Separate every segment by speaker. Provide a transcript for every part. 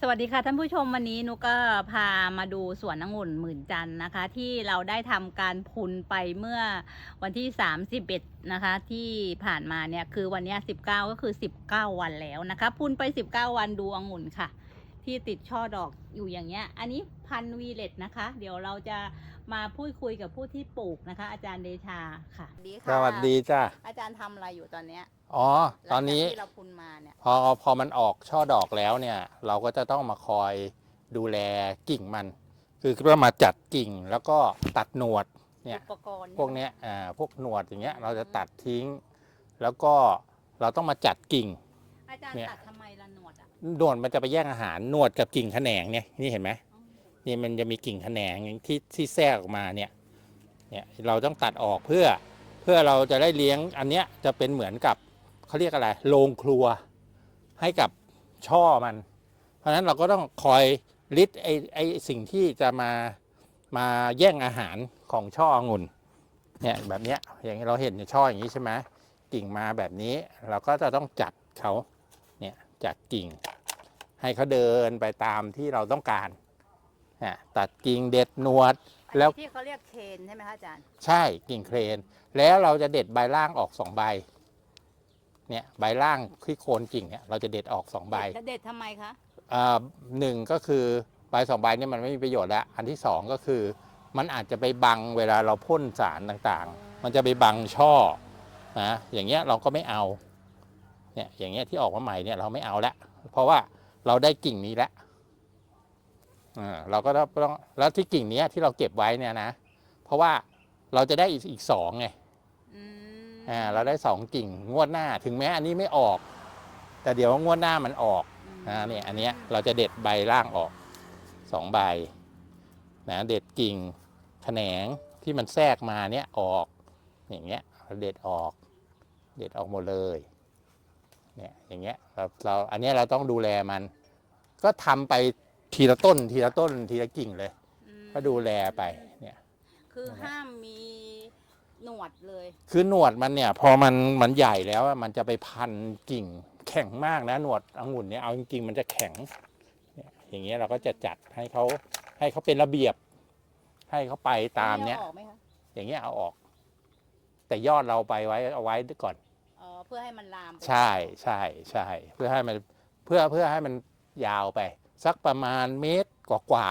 Speaker 1: วัสดีค่ะท่านผู้ชมวันนี้นุกก็พามาดูสวนองุ่นหมื่นจันทร์นะคะที่เราได้ทำการพุนไปเมื่อวันที่31นะคะที่ผ่านมาเนี่ยคือวันนี้19ก็คือ19วันแล้วนะคะพุนไป19วันดูองุ่นค่ะที่ติดช่อดอกอยู่อย่างเงี้ยอันนี้พันธุ์วีเลตนะคะเดี๋ยวเราจะมาพูดคุยกับผู้ที่ปลูกนะคะอาจารย์เดชาค่ะ
Speaker 2: สวัสดีจ้า
Speaker 1: อาจารย์ทำอะไรอยู่ตอนเนี้ย
Speaker 2: อ๋อตอนนี้
Speaker 1: ที่เราพุนมาเนี่ย
Speaker 2: พอมันออกช่อดอกแล้วเนี่ยเราก็จะต้องมาคอยดูแลกิ่งมันคือว่ามาจัดกิ่งแล้วก็ตัดหนวดเนี่ย
Speaker 1: อุปกรณ์
Speaker 2: พวกเนี้ยพวกหนวดอย่างเงี้ยเราจะตัดทิ้งแล้วก็เราต้องมาจัดกิ่ง
Speaker 1: อาจารย์ตัดทำไมละหนวดอ่ะ
Speaker 2: หนวดมันจะไปแย่งอาหารหนวดกับกิ่งแขนงเนี่ยนี่เห็นไหมนี่มันจะมีกิ่งแขนงที่แทรกออกมาเนี่ยเราต้องตัดออกเพื่อเราจะได้เลี้ยงอันเนี้ยจะเป็นเหมือนกับเขาเรียกอะไรโรงครัวให้กับช่อมัน เพราะฉะนั้นเราก็ต้องคอยลิดไอสิ่งที่จะมาแย่งอาหารของช่อองุ่นเนี่ยแบบเนี้ยอย่างเราเห็นช่ออย่างนี้ใช่ไหมกิ่งมาแบบนี้เราก็จะต้องจัดเขาเนี่ยจัดกิ่งให้เขาเดินไปตามที่เราต้องการตัดกิ่งเด็ดหนวด
Speaker 1: แล้วที่เขาเรียกเคนใช่ไหมคะอาจารย์
Speaker 2: ใช่กิ่งเครนแล้วเราจะเด็ดใบล่างออก2 ใบเนี่ยใบล่างที่โคนกิ่งเนี่ยเราจะเด็ดออก2 ใบ
Speaker 1: เด็ดทำไมคะ
Speaker 2: หนึ่งก็คือใบ2 ใบเนี่ยมันไม่มีประโยชน์แล้วอันที่2ก็คือมันอาจจะไปบังเวลาเราพ่นสารต่างๆมันจะไปบังช่อนะอย่างเงี้ยเราก็ไม่เอาเนี่ยอย่างเงี้ยที่ออกมาใหม่เนี่ยเราไม่เอาละเพราะว่าเราได้กิ่งนี้แล้วเราก็ต้องแล้วที่กิ่งนี้ที่เราเก็บไว้เนี่ยนะเพราะว่าเราจะได้อีก2ไงเราได้2 กิ่งงวดหน้าถึงแม้อันนี้ไม่ออกแต่เดี๋ยวงวดหน้ามันออกเนี่ยอันเนี้ยเราจะเด็ดใบล่างออก2 ใบนะเด็ดกิ่งแขนงที่มันแทรกมาเนี้ยออกอย่างเงี้ยเราเด็ดออกหมดเลยเนี่ยอย่างเงี้ยเราอันนี้เราต้องดูแลมันก็ทำไปทีละต้นทีละกิ่งเลยก็ดูแลไปเนี่ย
Speaker 1: คือห้ามมีหนวดเลย
Speaker 2: คือหนวดมันเนี่ยพอมันใหญ่แล้วมันจะไปพันกิ่งแข็งมากนะหนวดองุ่นเนี่ยเอาจริงๆมันจะแข็งอย่างเงี้ยเราก็จะจัดให้เขาเป็นระเบียบให้เขาไปตามเนี้ยอย่างเงี้ยเอาออกแต่ยอดเราไปเอาไว้ก่อน
Speaker 1: เพื่อให้มันลาม
Speaker 2: ใช่เพื่อให้มันยาวไปสักประมาณเมตรกว่า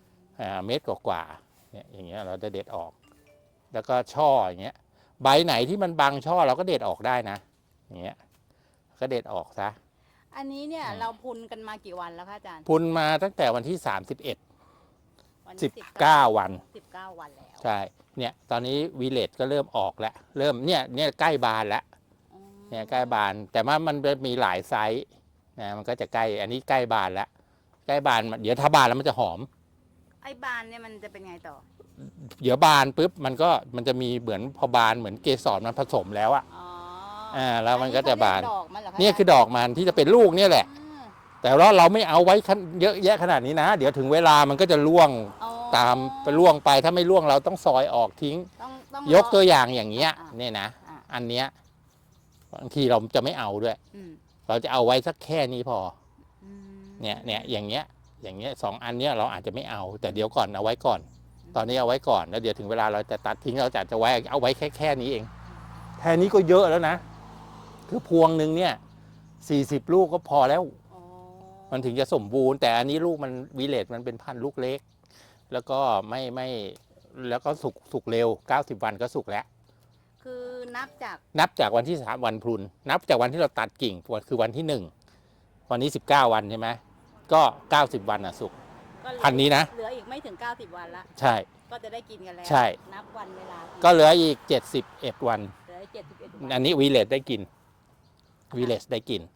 Speaker 2: เนี่ยอย่างเงี้ยเราจะเด็ดออกแล้วก็ช่ออย่างเงี้ยใบไหนที่มันบังช่อเราก็เด็ดออกได้นะอย่างเงี้ยก็เด็ดออกซะ
Speaker 1: อันนี้เนี่ยเราพุนกันมากี่วันแล้วคะอาจารย์
Speaker 2: พุนมาตั้งแต่วันที่19 วัน
Speaker 1: แล้ว
Speaker 2: ใช่เนี่ยตอนนี้วีเลตก็เริ่มออกแล้วเริ่มเนี่ยใกล้บานแล้วเนี่ยใกล้บานแต่ว่ามันมีหลายไซส์นะมันก็จะใกล้อันนี้ใกล้บานแล้วใกล้บานเดี๋ยวถ้าบานแล้วมันจะหอม
Speaker 1: ไอ้บานเนี่ยมันจะเป็นไงต่อ
Speaker 2: เดี๋ยวบานปุ๊บมันจะมีเหมือนพอบานเหมือนเกสรมันผสมแล้วอะแล้วมันก็จะบานนี่คือดอกมันที่จะเป็นลูกเนี่ยแหละแต่ว่าเราไม่เอาไว้เยอะแยะขนาดนี้นะเดี๋ยวถึงเวลามันก็จะร่วงตามไปร่วงไปถ้าไม่ร่วงเราต้องซอยออกทิ้งยกตัวอย่างอย่างเงี้ยเนี่ยนะอันเนี้ยบางทีเราจะไม่เอาด้วยเราจะเอาไว้สักแค่นี้พอเนี่ยอย่างเงี้ย2 อันเนี้ยเราอาจจะไม่เอาแต่เดี๋ยวก่อนเอาไว้ก่อนตอนนี้เอาไว้ก่อนแล้วเดี๋ยวถึงเวลาเราจะตัดทิ้งเราจะเอาไว้แค่นี้เองแค่นี้ก็เยอะแล้วนะคือพวงหนึ่งเนี่ย40 ลูกก็พอแล้วมันถึงจะสมบูรณ์แต่อันนี้ลูกมันวีเลตมันเป็นพันธุ์ลูกเล็กแล้วก็ไม่แล้วก็สุกเร็ว90 วันก็สุกแล้ว
Speaker 1: คือนับ
Speaker 2: จากวันที่3 วันพลุนนับจากวันที่เราตัดกิ่งคือวันที่1วันนี้19 วันใช่ไหมก็90 วันสุกพันนี้นะ
Speaker 1: เหลืออีกไม่ถึง90 วันละ
Speaker 2: ใช่
Speaker 1: ก็จะได้กินกันแล้ว
Speaker 2: ใช่
Speaker 1: นับวันเวลา
Speaker 2: ก็เหลืออีก71 วัน
Speaker 1: เหลือ71 วัน
Speaker 2: อันนี้วีเลตได้กิน